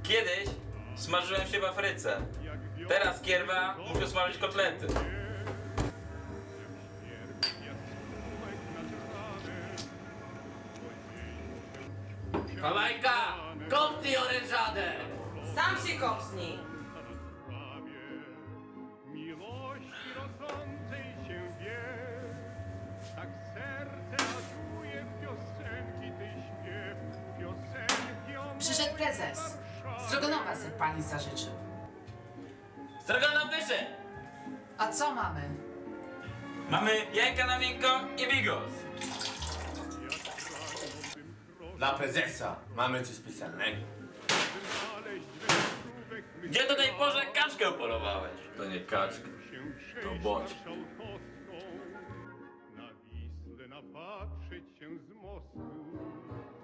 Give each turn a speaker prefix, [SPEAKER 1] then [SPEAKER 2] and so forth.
[SPEAKER 1] Kiedyś smażyłem się w Afryce. Teraz kierwa muszę smażyć kotlety.
[SPEAKER 2] Kamajka! Kopnij orężadę!
[SPEAKER 3] Sam się kopsnij!
[SPEAKER 4] Miłości rodzącej się wie, tak serce latuje w piosenki tej śpiew, piosenki o
[SPEAKER 5] Przyszedł
[SPEAKER 4] mojej
[SPEAKER 5] prezes.
[SPEAKER 4] Warszawie.
[SPEAKER 5] Strogonowa se pani zażyczył.
[SPEAKER 1] Stroganow wyszedł!
[SPEAKER 5] A co mamy?
[SPEAKER 1] Mamy jajka na miękko i bigos.
[SPEAKER 2] Dla prezesa mamy coś specjalnego.
[SPEAKER 1] Gdzie do tej porze kaczkę upolowałeś? To nie kaczka. To boć.
[SPEAKER 4] Na Wisłę napatrzeć się z mostu,